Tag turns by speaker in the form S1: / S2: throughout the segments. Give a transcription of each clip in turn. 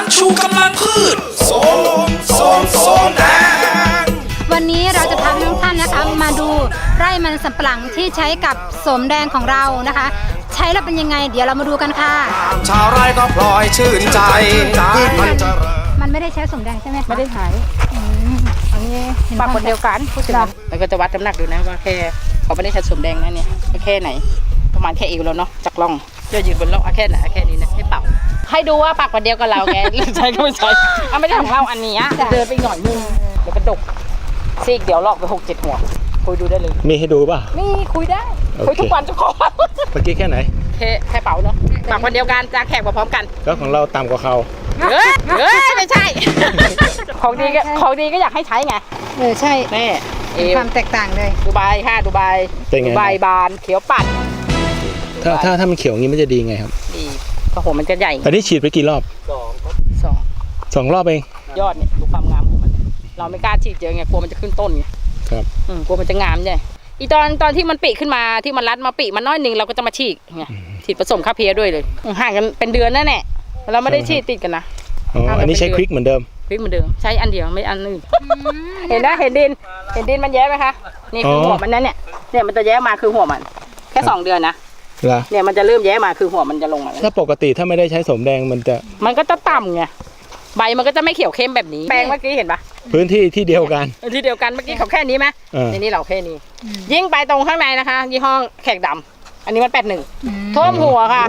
S1: ชูกำลังพืชโสมแดง
S2: วันนี้เราจะพาทุกท่านนะคะมาดูไร่มันสำปะหลังที่ใช้กับโสมแดงของเรานะคะใช้แล้วเป็นยังไงเดี๋ยวเรามาดูกันค่ะ
S1: ชาวไร่ก็พลอยชื่นใจพืชมันจะ
S2: มันไม่ได้ใช้โสมแดงใช่ไหมคะ
S3: ไม่ได้ใช้อันนี้ปากคนเดียวกันพูดถึงแล้วก็จะวัดน้ำหนักดูนะว่าแค่เขาไม่ได้ใช้โสมแดงนะเนี่ยแค่ไหนประมาณแค่เอวแล้วเนาะจากล่องจะยืนบนล่องแค่ไหนแค่นี้นะให้เป่าให้ดูว่าปากคนเดียวกับเราแกใช้ก็ไม่ใช่ไม่ได้ของเราอันนี้เดินไปหน่อยนึงเดี๋ยวกระดกซีกเดี๋ยวลอกไป6-7 หัวคุยดูได้เลย
S4: มีให้ดูป่ะ
S3: มีคุยได้คุยทุกวันทุกคน
S4: เมื่อกี้แค่ไหน
S3: แค่เป่าเนาะปากคนเดียวกันจะแขกมาพร้อมกัน
S4: แล้วของเราต่ำกว่าเขา
S3: ไม่ใช่ของดีก็อยากให้ใช้ไง
S2: ใช่
S3: นี่
S2: ความแตกต่างเลย
S3: ดูใบดูใบบานเขียวปัด
S4: ถ้ามันเขียวงี้มันจะดีไงครับ
S3: ดีก็หัวมันจะใหญ่
S4: อันนี้ฉีดไปกี่รอบ2 รอบเอง
S3: ยอดเนี่ยดูความงามของมันเราไม่กล้าฉีดเยอะไงกลัวมันจะขึ้นต้นไง
S4: ครับ
S3: กลัวมันจะงามใช่อีตอนที่มันปีขึ้นมาที่มันรัดมาปีมันน้อยนึงเราก็จะมาฉีดไงฉีดผสมคาเพียด้วยเลยห่างกันเป็นเดือนนั่นแหละเราไม่ได้ฉีดติดกันนะ
S4: อันนี้ใช้ควิกเหมือนเดิม
S3: ใช้อันเดียวไม่อันอื่นเห็นนะเห็นดินมันแย้ไหมคะนี่คือหัวมันนั่นเนี่ยมันจะแย้มาคือหัวมันแค่2 เดือนนะเนี่ยมันจะเริ่มแย้มาคือหัวมันจะลงมา
S4: ถ้าปกติถ้าไม่ได้ใช้โสมแดงมันก็
S3: จะต่ำไงใบมันก็จะไม่เขียวเข้มแบบนี้แปลงเมื่อกี้เห็นปะ
S4: พื้นที่ที่เดียวกัน
S3: เมื่อกี้เขาแค่นี้ไหมในนี้เราแค่นี้ยิ่งไปตรงข้างในนะคะยี่ห้อแขกดำอันนี้มัน81ท่วมหัวค่ะ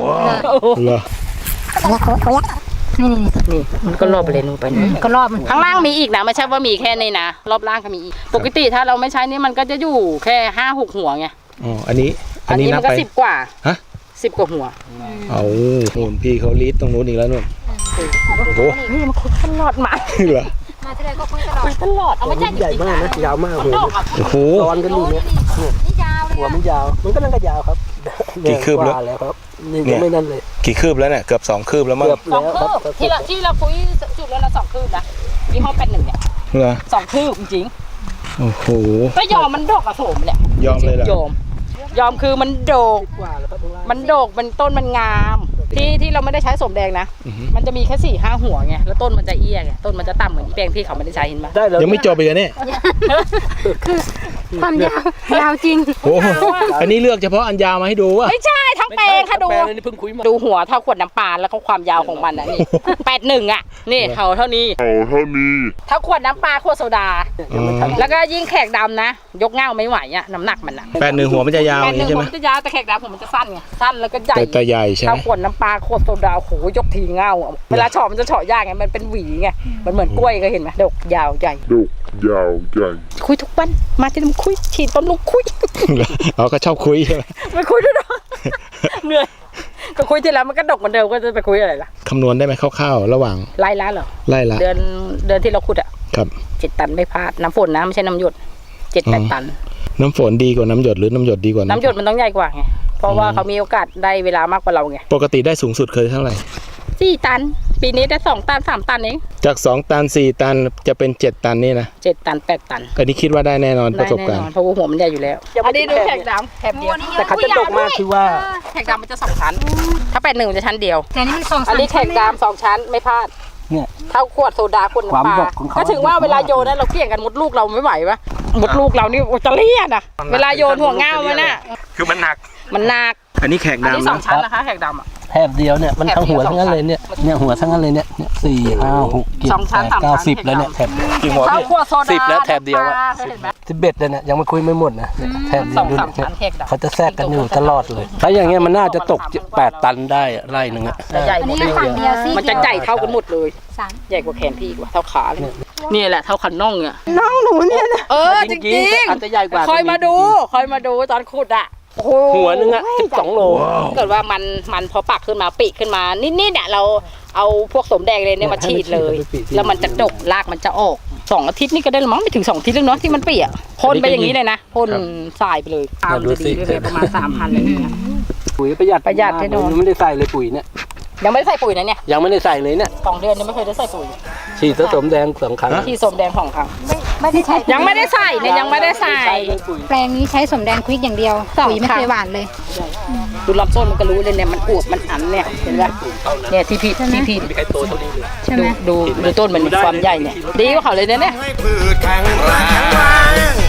S3: นี่มันก็รอบไปเลยนู่นไปนี่
S2: ก็รอบ
S3: ข้างล่างมีอีกนะไม่ใช่ว่ามีแค่นี้นะรอบล่างก็มีอีกปกติถ้าเราไม่ใช้นี่มันก็จะอยู่แค่5-6 หัวไง
S4: อันนี้
S3: มันก็10 กว่า10 กว่าหัว
S4: เอาหุ่นพี่เขาลีดตรงนู้นอีกแล้วนู่น
S3: โอ้โหนี่มันคุยตลอดมา
S4: เหรอ
S2: มาที่ไรก็คุยตลอด
S3: เอาไม่ใช่
S5: ใหญ่มากนะยาวมาก
S4: โอ้โห
S5: ตอนกันอยู่เนี่ยหัวมันยาวมันก็นั่งก็ยาวครับ
S4: กี่คืบ
S5: แล้วครับนี่ไม่นั่นเลย
S4: กี่คืบแล้วเนี่ยเกือบ2 คืบแล้วมั้ง
S3: 2 คืบที่เราคุยจุดแล้วเรา2 คืบนะยี่ห้อ81เนี่ย2 คืบจริง
S4: โอ้โห
S3: ก็ยอมมันดกอะโสมเนี่ย
S4: ยอมเลยเหร
S3: อยอมคือมันโดกมันต้นมันงามที่เราไม่ได้ใช้โสมแดงนะมันจะมีแค่4-5 หัวไงแล้วต้นมันจะเอี้ยไงต้นมันจะต่ำเหมือนแปลงที่เขาไม่ได้ใช้เห็นไหม
S4: ยังไม่จบอีกเนี่ย
S2: ความยาวจริง
S4: โอ้อันนี้เลือกเฉพาะอันยาวมาให้ดูวะ
S3: ไม่ใช่ทั้งแปลงค่ะดูหัวเท่าขวดน้ำปลาแล้วก็ความยาวของมันนะนี่81อ่ะนี่เท่านี้เท่าขวดน้ำปลาขวดโซดาแล้วก็ยิ่งแขกดำนะยกเง่าไม่ไหวอ่ะน้ำหนักมันอ่ะ
S4: 81 หัวมันจะยาวใช่ไหม
S3: มันจะยาวแต่แขกดำผมมันจะสั้นไงสั้นแล้วก็ใหญ่
S4: แต่ใหญ่ใช่ไหม
S3: เท่าขวดน้ำปลาขวดโซดาโหยกทีเง่าเวลาเฉาะมันจะเฉาะยากไงมันเป็นหวีไงมันเหมือนกล้วยก็เห็นไหมดกยาวใหญ่คุยทุกวันมาที่นี่คุยฉีดต้นลุกคุย
S4: เราก็ชอบคุยใช่ไหม
S3: ไม่คุยด้วยนะเหนื่อยก็คุยทีแล้วมันก็ดกเหมือนเดิมก็จะไปคุยอะไรล่ะ
S4: คำนวณได้ไหมคร่าวๆระหว่าง
S3: ไล่ละเหรอ
S4: ไล่ละ
S3: เดือนที่เราขุดอ่ะ
S4: ครับ
S3: 7 ตันไม่พลาดน้ำฝนนะไม่ใช่น้ำหยด7-8 ตัน
S4: น้ำฝนดีกว่าน้ำหยดหรือน้ำหยดดีกว่า
S3: น้ำหยดมันต้องใหญ่กว่าไงเพราะว่าเขามีโอกาสได้เวลามากกว่าเราไง
S4: ปกติได้สูงสุดเคยเท่าไหร่
S3: 4 ตันปีนี้ได้2 ตัน3 ตันเอง
S4: จาก2 ตัน4 ตันจะเป็น7 ตันนี่นะ
S3: 7 ตัน8 ตัน
S4: อันนี้คิดว่าได้แน่นอนประสบการณ์
S3: เพราะว่าหัวมันใหญ่อยู่แล้วอันนี้ดูแขกดำแถบเดียว
S5: แต่เขาจะดกมากคือว่า
S3: แขกดำมันจะ2 ชั้นถ้า81มันจะชั้นเดียว
S2: แต่นี่มัน2 ชั้น
S3: อันนี้แขกดำ2 ชั้นไม่พลาด
S5: เนี่ย
S3: เท่าขวดโซดาขวดน้ำปลาก็ถึงว่าเวลาโยนนั้นเราเกี่ยงกันมดลูกเราไม่ไหวปะมดลูกเรานี่จะเลี่ยนอ่ะเวลาโยนหัวเง่ามันน่ะ
S4: คือมันหนักอันนี้แขกดำ
S3: อันนี้2 ชั้นนะคะแขกดำอ่ะ
S5: แถบเดียวเนี่ยมันทั้งหัวทั้งนั้นเลยเนี่ยหัวทั้งนั้นเลยเนี่ย4 5 6 7 8 9 10แล้วเนี่ยแถบ
S4: กี่หัว10แล้วแถบเดียวอ่ะ
S5: 11เลยเนี่ยยังไม่คุยไม่หมดนะแถบเดียวดูเขาจะแทรกกันอยู่ตลอดเลยถ้าอย่างเงี้ยมันน่าจะตก8 ตันได้ไร่นึงอ่ะ
S3: ใหญ่หมดเลยมันจะใหญ่เท่ากันหมดเลยใหญ่กว่าแขนพี่กว่าเท่าขาเลยนี่แหละเท่าขันน่องเนี่ย
S2: น้องหนูเนี่ย
S3: จริงๆ
S5: อันจะใหญ่กว่า
S3: คอยมาดูตอนขุดอ่ะ
S5: หัวนึงอ่ะ12 โล
S3: เกิดว่ามันพอปักขึ้นมาปีขึ้นมานิดเนี่ยเราเอาพวกสมแดงเลยเนี่ยมาฉีดเลยแล้วมันจะดกรากมันจะออก2 อาทิตย์นี่ก็ได้มั้งไม่ถึง2 อาทิตย์แล้วเนาะที่มันเปียกพ่นไปอย่างนี้เลยนะพ่นสายไปเลยตามจะดีเลยประมาณ 3,000เลยเนี่ย
S5: ปุ๋ยประหยัด
S3: ให้โดน
S5: ไม่ได้ใส่เลยปุ๋ยเนี่ย
S3: ยังไม่ได้ใส่ปุ๋ยนะเนี่ย
S5: ยังไม่ได้ใส่เลยเนี่ย
S3: 2 เดือนยังไม่เคยได้ใส่ปุ๋ย
S5: ฉีดผสมแดง2 ครั้ง
S3: ฉีดสมแดง2 ครั้ง
S2: ไม่ได้ใช้
S3: ยังไม่ได้ใส่เนี่ยยังไม่ได้ใส่
S2: แปลงนี้ใช้สมแดงควิกอย่างเดียวปุ๋ยไม่เคยหวานเลย
S3: ดูลำต้นมันก็รู้เลยเนี่ยมันอวบมันอันเนี่ยเห็นไหมเนี่ยที่พี่ ดูต้นมันมีความใหญ่เนี่ยดีกว่าเขาเลยเนี่ย
S1: ให้พืชแข็งแรง